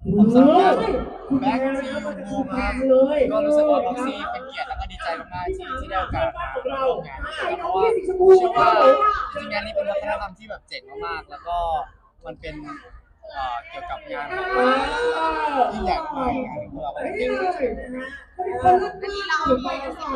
ผมสำหรับแบ็คที่บูมครับก็รู้สึกว่าบ็อกซี่เป็นเกียรติแล้วก็ดีใจมากๆที่ได้โอกาสมาร่วมงานเพราะว่าเชื่อว่าจริงๆงานนี้เป็นวัฒนธรรมที่แบบเจ๋งมากๆแล้วก็มันเป็นเกี่ยวกับงานของยิ่งใหญ่มากงานของเราอันนี้เรามีสิ่งเก่าด้วย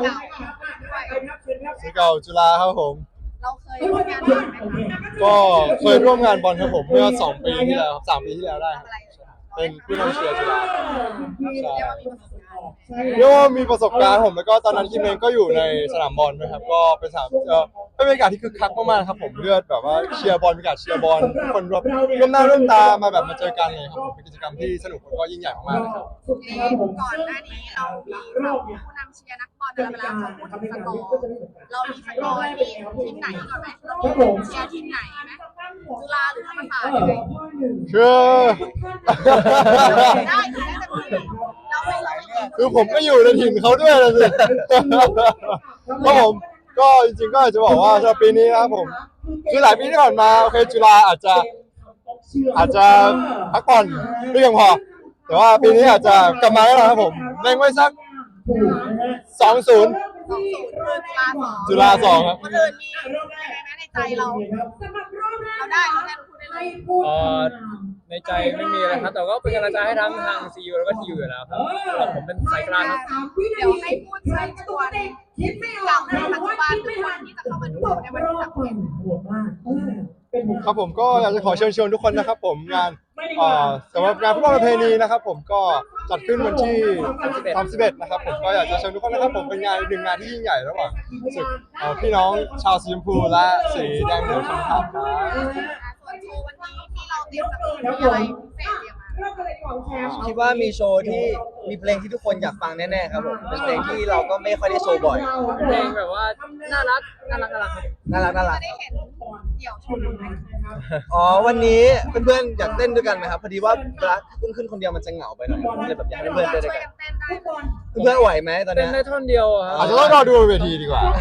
ศิษย์เก่าจุฬาครับผมเราเคยร่วมงานบอลไหมคะก็เคยร่วมงานบอลครับผมเมื่อ2 ปีที่แล้วครับ3 ปีที่แล้วได้ครับเป็นผู้นำเชียร์จุฬาใช่เรียกว่ามีประสบการณ์ผมแล้วก็ตอนนั้นคิมเองก็อยู่ในสนามบอลนะครับก็เป็นสนามเป็นบรรยากาศที่คึกคักมากๆครับผมเลือดแบบว่าเชียร์บอลบรรยากาศเชียร์บอลทุกคนร่วมหน้าร่วมตามาแบบมาเจอกันเลยครับผมเป็นกิจกรรมที่สนุกแล้วก็ยิ่งใหญ่มากๆเลยครับก่อนหน้านี้เรามีผู้นำเชียร์นักบอลอะไรไปแล้วเขาพูดถึงสกอร์เรามีสกอร์ที่ทีมไหนก่อนไหมเรามีเชียร์ทีมไหนไหมจุฬาหรือธรรมศาสตร์ยังไงคือได้ถึงได้แต่ทีมเราไม่เราไม่คือผมก็อยู่ในถิ่นเขาด้วยนะสิก็ผมก็จริงๆก็อาจจะบอกว่าสำหรับปีนี้นะครับผมคือหลายปีที่ผ่านมาโอเคจุฬาอาจจะพักผ่อนไม่เพียงพอแต่ว่าปีนี้อาจจะกลับมาแล้วนะครับผมเล็งไว้สัก2-0จุฬา2ครับคนอื่นมีอะไรในใจเราได้เราได้พูดได้เลยในใจไม่มีอะไรครับแต่ก็เป็นกำลังใจให้ทั้งทางซีอูแล้วก็ทียูอยู่แล้วครับผมเป็นสายกลางครับเดี๋ยวให้พูดใช้ตัวคิดไม่ออกในปัจจุบันหรือคนที่จะเข้ามาดูในวันที่30 ครับผมก็อยากจะขอเชิญชวนทุกคนนะครับผมงานสำหรับงานฟุตบอลประเพณีนะครับผมก็จัดขึ้นวันที่31นะครับผมก็อยากจะเชิญทุกคนนะครับผมเป็นงานหนึ่งงานที่ยิ่งใหญ่ระหว่างศึกพี่น้องชาวสีชมพูและสีแดงเหลืองชมพูครับส่วนโชว์วันนี้ที่เราเตรียมจะมีอะไรพิเศษเตรียมมาคิดว่ามีโชว์ที่มีเพลงที่ทุกคนอยากฟังแน่ๆครับผมเป็นเพลงที่เราก็ไม่ค่อยได้โชว์บ่อยเพลงแบบว่าน่ารักครับน่ารักจะได้เห็นเดี่ยวโชว์ไหมอ๋อวันนี้เพื่อนๆอยากเต้นด้วยกันไหมครับพอดีว่าเวลาขึ้นคนเดียวมันจะเหงาไปหน่อยเลยแบบอยากให้เพื่อนๆเต้นด้วยกันเพื่อนๆไหวไหมตอนเต้นี้นได้ท่อนเดียวครับอาจจะต้องรอดูเวทีดีกว่า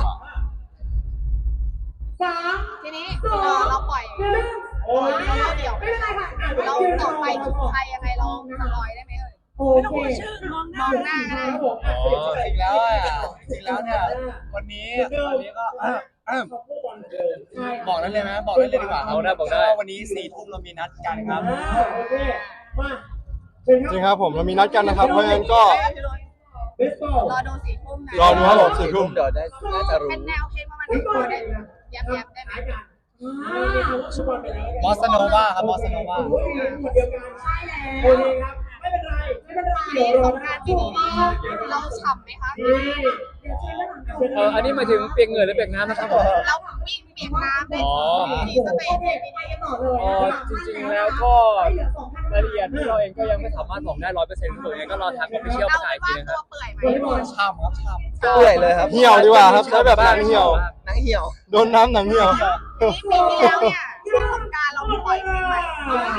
ทีนี้เราปล่อยเราเดี่ยวเราต่อไปถึงใครยังไงเราสปอยได้ไหมเอ่ยไม่ต้องพูดชื่อมองหน้าก็ได้จริงแล้วเนี่ยวันนี้ก็บอกได้เลยไหมบอกได้เลยดีกว่าครับบอกได้วันนี้4 ทุ่มเรามีนัดกันครับจริงครับผมเรามีนัดกันนะครับเพราะฉะนั้นก็รอดู4 ทุ่มนะรอดูครับผม4 ทุ่มเดี๋ยวได้น่าจะรู้เป็นแนวเพลงประมาณไหนพอได้ยับได้ไหมบอสโนวาครับบอสโนวาปีสงกรานต์ปีนี้เราฉ่ำไหมคะอันนี้หมายถึงเปียกเหงื่อหรือเปียกน้ำนะครับผมเราวิ่งเปียกน้ำในที่สเตจปีนี้จริงๆแล้วก็รายละเอียดที่เราเองก็ยังไม่สามารถบอกได้100%ทั้งหมดยังไงก็รอทางออฟฟิเชียลประกาศอีกทีนึงครับช่ำครับช่ำเปื่อยเลยครับเหี่ยวดีกว่าครับใช้แบบหนังเหี่ยวหนังเหี่ยวโดนน้ำหนังเหี่ยวปีที่แล้วเนี่ยช่วงสงกรานต์เราปล่อยเพลงใหม่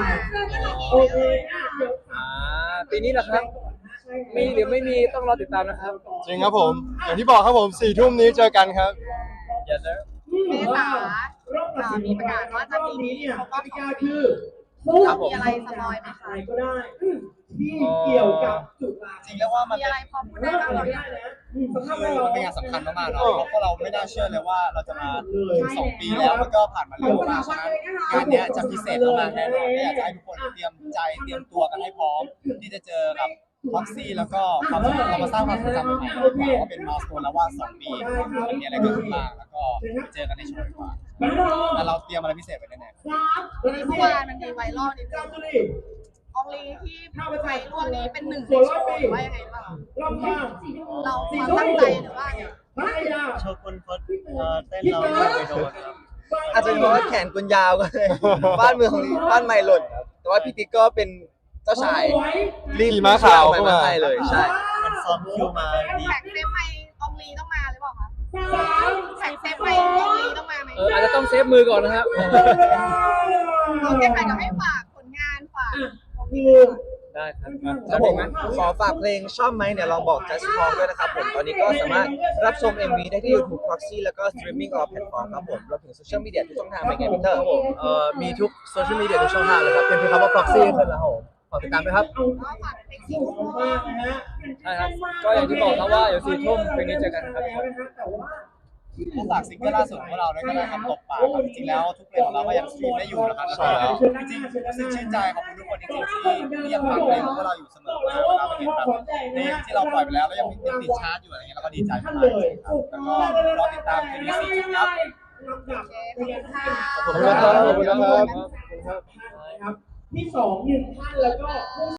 ปีนี้แหละครับมีหรือไม่มีต้องรอติดตามนะครับจริงครับผมอย่างที่บอกครับผม4 ทุ่มนี้เจอกันครับ Yes sir เมษามีประกาศว่าจะมีเขาก็คือมีอะไรสปอยไหมคะก็ได้ที่เกี่ยวกับจุฬาจริงแล้วว่ามันมีอะไรพอพูดได้บ้างเราเนี่ยมันเป็นงานสำคัญมากๆเนาะเพราะเราไม่น่าเชื่อเลยว่าเราจะมาถึง2 ปีแล้วมันก็ผ่านมาเร็วมากฉะนั้นงานนี้จะพิเศษมากๆแน่นอนอยากจะให้ทุกคนเตรียมใจเตรียมตัวกันให้พร้อมที่จะเจอกับพ็อกซี่แล้วก็เรามาสร้างความทรงจำใหม่ๆดีกว่าว่าเป็นมาสโตนแล้วว่า2 ปีมันมีอะไรเกิดขึ้นบ้างแล้วก็ไปเจอกันในโชว์ดีกว่าแต่เราเตรียมอะไรพิเศษไว้แน่ๆวันนี้เมื่อวานมันมีไวรัลนิดนึงอองลีที่ไปร่วมนี้เป็น1 ในโชว์หรือว่ายังไงบ้างเราความตั้งใจหรือว่าโชว์คนเต้นเราไม่โดนอาจจะเพราะว่าแขนกุญยาวก็เลยบ้านไม้หล่นแต่ว่าพี่ติ๊กก็เป็นเจ้าชายรีบม้าขาวมาให้เลยใช่มันซ้อมคิวมาดีแท็กเซฟไปอองลีต้องมาหรือเปล่าคะแท็กเซฟไปอองลีต้องมาไหมอาจจะต้องเซฟมือก่อนนะครับโอเคค่ะเดี๋ยวให้ฝากผลงานฝากได้ครับแล้วผมขอฝากเพลงชอบไหมเนี่ยลองบอก Just Talk ด้วยนะครับผมตอนนี้ก็สามารถรับชม MV ได้ที่ YouTube Proxy แล้วก็ Streaming all platform ครับผมรวมถึงโซเชียลมีเดียทุกช่องทางเป็นไงพีเตอร์มีทุกโซเชียลมีเดียทุกช่องทางเลยครับเป็นคำว่า proxy ขึ้นแล้วครับฝากติดตามด้วยครับก็ฝากเพลงสี่ทุ่มใช่ครับก็อย่างที่บอกครับว่าเดี๋ยว4 ทุ่มเพลงนี้เจอกันครับผู้ฝากซิงเกิลล่าสุดของเราด้วยก็ได้ครับตบปากครับจริงๆแล้วทุกเพลงของเราก็ยังสตรีมได้อยู่นะครับใช่แล้วจริงๆรู้สึกชื่นใจขอบคุณทุกคนจริงๆที่ยังฟังเพลงของพวกเราอยู่เสมอเวลาเราเห็นแบบเพลงที่เราปล่อยไปแล้วยังติดชาร์ตอยู่อะไรเงี้ยเราก็ดีใจมากเลยครับแล้วก็รอติดตามเพลงนี้4 ทุ่มครับโอเคขอบคุณค่ะขอบคุณนะครับขอบคุณนะครับที่2 1 ท่านแล้วก็